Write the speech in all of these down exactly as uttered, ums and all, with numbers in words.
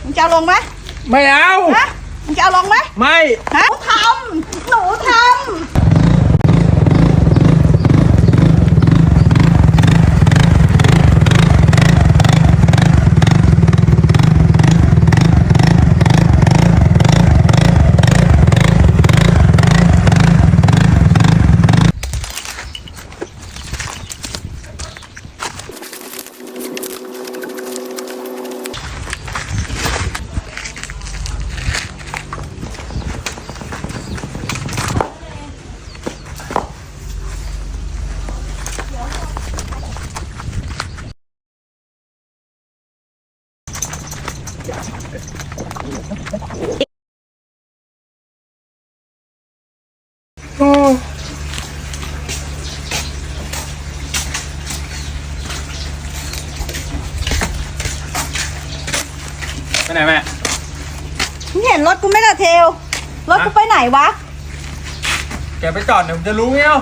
มึงจะเอาลงไหมไม่เอาฮะมึงจะเอาลงไหมไม่ฮะหนูทำหนูทำโอ้ไปไหนแม่มึงเห็นรถกูไหม่ละเทลรถกูไปไหนวะแกไปจอดเดี๋ยวจะรู้ไงเอ้า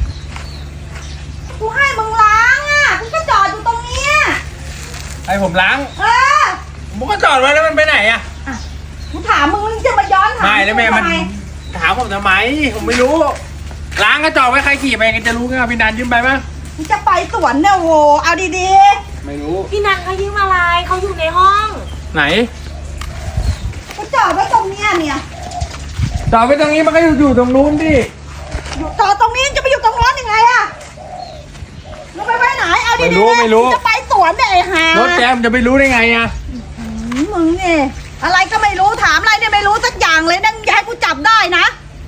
กูให้มึงล้างอ่ะกูก็จอดอยู่ตรงเนี้ยให้ผมล้างเออผมก็จอดไว้แล้วมันไปไหนอ่ะกูถามมึงมึงจะมาย้อนถามไม่แล้วแม่มันถามผมทำไมผมไม่รู้ล้างก็จอดไว้ใครขี่ไปกันจะรู้ไงพี่นันยืมไปมั้ยมึงจะไปสวนเนี่ยโวเอาดีๆไม่รู้พี่นันเขายืมอะไรเขาอยู่ในห้องไหนกูจอดไว้ตรงเนี้ยเนี่ยจอดไว้ตรงนี้มันก็อยู่อยู่ตรงนู้นดิอยู่จอดตรงนี้จะไปอยู่ตรงนู้นยังไงอะมึงไปไว้ไหนเอาดีๆไม่รู้ไม่รู้จะไปสวนเนี่ยไอ้ห่ารถแจมจะไปรู้ได้ไงอะมึงเนี่ยอะไรก็ไม่รู้ถามอะไรเนี่ยไม่รู้สักอย่างเลยนั่งอย่าให้กูจับได้นะ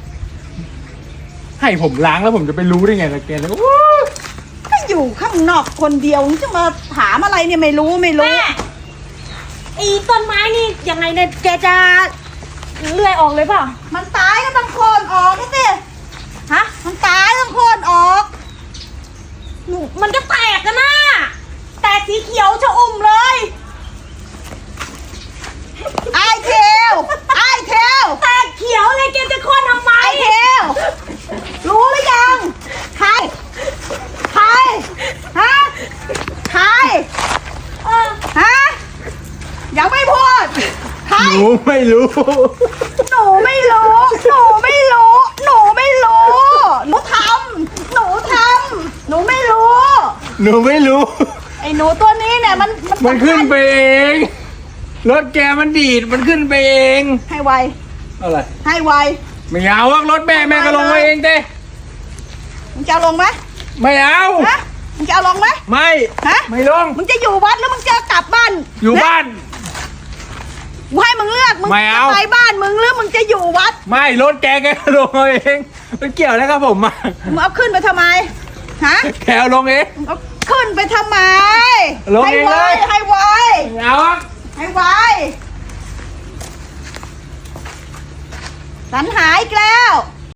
ให้ผมล้างแล้วผมจะไปรู้ได้ไงล่ะแกเลยก็อยู่ข้างนอกคนเดียวจะมาถามอะไรเนี่ยไม่รู้ไม่รู้แม่ไอ้ต้นไม้นี่ยังไงเนี่ยแกจะเลื่อยออกเลยเปล่ามันตายก็ต้องโค่นออกนี่สิฮะมันตายต้องโค่นออกหนูมันก็แตกกันนะแตกสีเขียวชะอุ่มเลยไอเทลไอเทลแตกเขียวเลยแกจะโค่นทำไมไอเทลรู้หรือยังใครใครฮะใครเออฮะยังไม่พูดใครหนูไม่รู้หนูไม่รู้หนูไม่รู้หนูไม่รู้หนูทำหนูทำหนูไม่รู้หนูไม่รู้ไอ้หนูตัวนี้เนี่ยมันมันขึ้นไปเองรถแกมันดีดมันขึ้นไปเองให้ไวอะไรให้ไวไม่เอารถแม่แม่ก็ลงมาเองเต้มึงจะเอาลงไหมไม่เอาฮะมึงจะเอาลงไหมไม่ฮะไม่ลงมึงจะอยู่วัดหรือมึงจะกลับบ้านอยู่บ้านกูให้มึงเลือกมึงจะไปบ้านมึงหรือมึงจะอยู่วัดไม่รถแกแกลงเองมันเกี่ยวแล้วครับผมมามึงเอาขึ้นไปทำไมฮะแกลงเองเอาขึ้นไปทำไมลงเองเลยให้ไวเอาให้ไวสันหายอีกแล้ว